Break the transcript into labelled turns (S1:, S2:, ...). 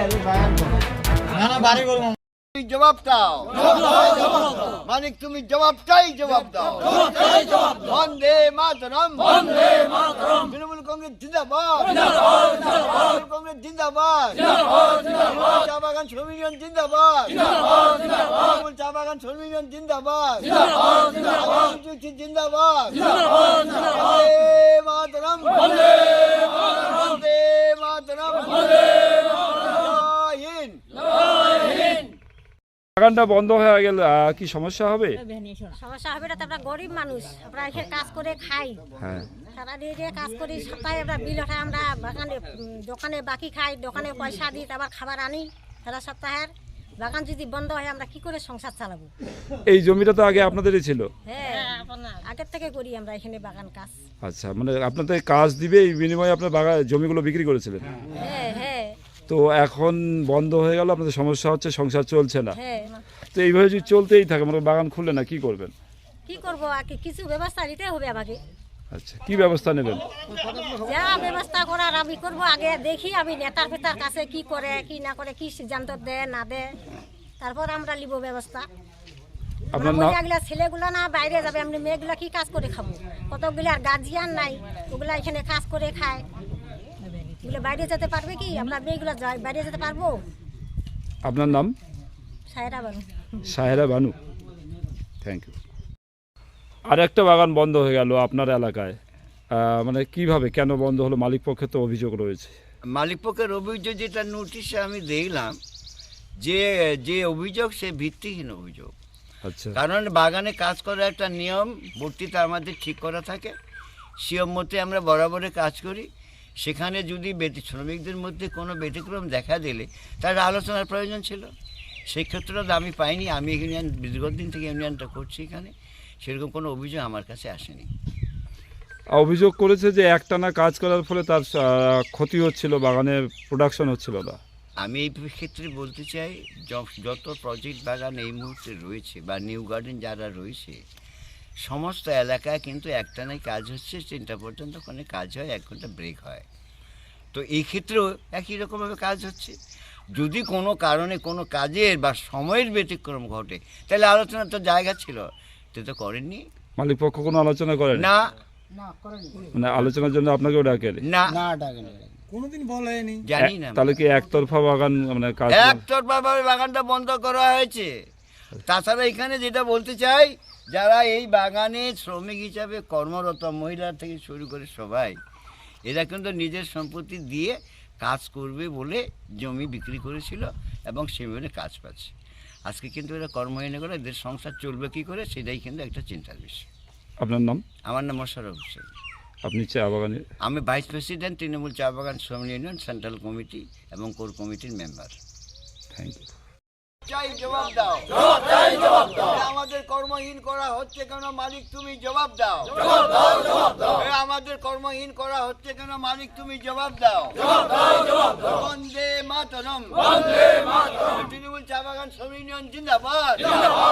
S1: তুমি জবাব দাও, মানিক তুমি জবাবটাই জবাব দাও। বন্দে মাতরম, তৃণমূল কংগ্রেস জিন্দাবাদ, তৃণমূল কংগ্রেস জিন্দাবাদ, তৃণমূল চা বাগান শ্রমিক ইউনিয়ন জিন্দাবাদ, তৃণমূল চা বাগান শ্রমিক ইউনিয়ন জিন্দাবাদ, জিন্দাবাদ, বন্দে মাতরম, বন্দে মাতরম, জয় হিন্দ।
S2: বাগানটা বন্ধ হয়ে গেল কি সমস্যা হবে?
S3: সমস্যা হবে না তো, আমরা গরিব মানুষ, আমরা এখানে কাজ করে খাই,
S2: হ্যাঁ,
S3: সারা দিয়ে কাজ করি, সপ্তাহে আমরা বিল ওঠাই, আমরা বাগানে দোকানে বাকি খাই, দোকানে পয়সা দিই, আবার খাবার আনি সারা সপ্তাহের। বাগান যদি বন্ধ হয় আমরা কি করে সংসার চালাবো?
S2: এই জমিটা তো আগে আপনাদেরই ছিল?
S3: হ্যাঁ, আগের থেকে করি আমরা এখানে বাগান কাজ।
S2: আচ্ছা, মানে আপনাদের কাজ দিবে এই বিনিময়ে আপনার বাগান জমিগুলো বিক্রি করেছিলেন?
S3: হ্যাঁ হ্যাঁ।
S2: তো এখন বন্ধ হয়ে গেল, আপনাদের সমস্যা হচ্ছে, সংসার চলছে না।
S3: হ্যাঁ,
S2: তো এইভাবে যদি চলতেই থাকে, মানে বাগান খুললে না, কি করবেন?
S3: কি করবো আর কি, কিছু ব্যবস্থা নিতে হবে আমাকে।
S2: আচ্ছা, কি ব্যবস্থা নেবেন?
S3: যা ব্যবস্থা করার আমি করবো, আগে দেখি আমি নেতার ফেতার কাছে কি করে কি না করে, কি সিদ্ধান্ত দেয় না দেয়, তারপর আমরা নিব ব্যবস্থা।
S2: আপনার নাম?
S3: মহিলাগুলা ছেলেগুলো না বাইরে যাবে, এমনি মেয়েগুলা কি কাজ করে খাবো? কতগুলো আর গার্জিয়ান নাই, ওগুলা এখানে কাজ করে খায়, এগুলো বাইরে যেতে পারবে কি? আমরা মেয়েগুলো বাইরে যেতে পারবো?
S2: আপনার নাম?
S3: সায়রা বানু।
S2: Sahera Banu, thank you. আর একটা বাগান বন্ধ হয়ে গেল আপনার এলাকায়, মানে কিভাবে, কেন বন্ধ হলো? মালিক পক্ষে তো অভিযোগ রয়েছে।
S1: মালিক পক্ষের অভিযোগ যেটা নোটিশে আমি দেখলাম, যে যে অভিযোগ সে ভিত্তিহীন অভিযোগ।
S2: আচ্ছা,
S1: কারণ বাগানে কাজ করার একটা নিয়ম বর্তিতা আমাদের ঠিক করা থাকে, নিয়ম মতে আমরা বরাবরে কাজ করি। সেখানে যদি শ্রমিকদের মধ্যে কোনো ব্যতিক্রম দেখা দিলে তার আলোচনার প্রয়োজন ছিল। সেই ক্ষেত্রে আমি পাইনি। আমি ইউনিয়ন দীর্ঘদিন থেকে ইউনিয়নটা করছি, এখানে সেরকম কোনো অভিযোগ আমার কাছে আসেনি।
S2: অভিযোগ করেছে যে একটানা কাজ করার ফলে তার ক্ষতি হচ্ছিল, বাগানের প্রোডাকশন হচ্ছিল না।
S1: আমি এই ক্ষেত্রে বলতে চাই, যত প্রজেক্ট বাগান এই মুহূর্তে রয়েছে বা নিউ গার্ডেন যারা রয়েছে, সমস্ত এলাকায় কিন্তু একটানাই কাজ হচ্ছে, 3টা পর্যন্ত ওখানে কাজ হয়, 1 ঘন্টা ব্রেক হয়। তো এই ক্ষেত্রেও একই রকমভাবে কাজ হচ্ছে। যদি কোনো কারণে কোনো কাজের বা সময়ের ব্যতিক্রম ঘটে, তাহলে আলোচনার তো জায়গা ছিল, তো করেননি।
S2: মালিক পক্ষ কোনো আলোচনা করেন
S1: না,
S2: মানে আলোচনার জন্য আপনাকেও ডাকেন
S1: না,
S4: কোনোদিন বলেনি,
S1: জানি না।
S2: তাহলে কি একতরফা বাগান, মানে কাজ
S1: একতরফাভাবে বাগানটা বন্ধ করা হয়েছে। তাছাড়া এখানে যেটা বলতে চাই, যারা এই বাগানে শ্রমিক হিসাবে কর্মরত, মহিলা থেকে শুরু করে সবাই, এরা কিন্তু নিজের সম্পত্তি দিয়ে কাজ করবে বলে জমি বিক্রি করেছিল এবং সেভাবে কাজ পাচ্ছে। আজকে কিন্তু এরা কর্মহীন করে, এদের সংসার চলবে কী করে, সেটাই কিন্তু একটা চিন্তার বিষয়।
S2: আপনার নাম?
S1: আমার নাম মোশাররফ হোসেন।
S2: আপনি চা বাগানে?
S1: আমি ভাইস প্রেসিডেন্ট, তৃণমূল চা বাগান শ্রমিক ইউনিয়ন সেন্ট্রাল কমিটি এবং কোর কমিটির মেম্বার।
S2: Thank you.
S1: চাই জবাব দাও, আমাদের কর্মহীন করা হচ্ছে কেন, মালিক তুমি জবাব দাও। আমাদের কর্মহীন করা হচ্ছে কেন, মালিক তুমি জবাব দাও। বন্দে মাতরম, তৃণমূল চা বাগান শ্রমিক ইউনিয়ন জিন্দাবাদ।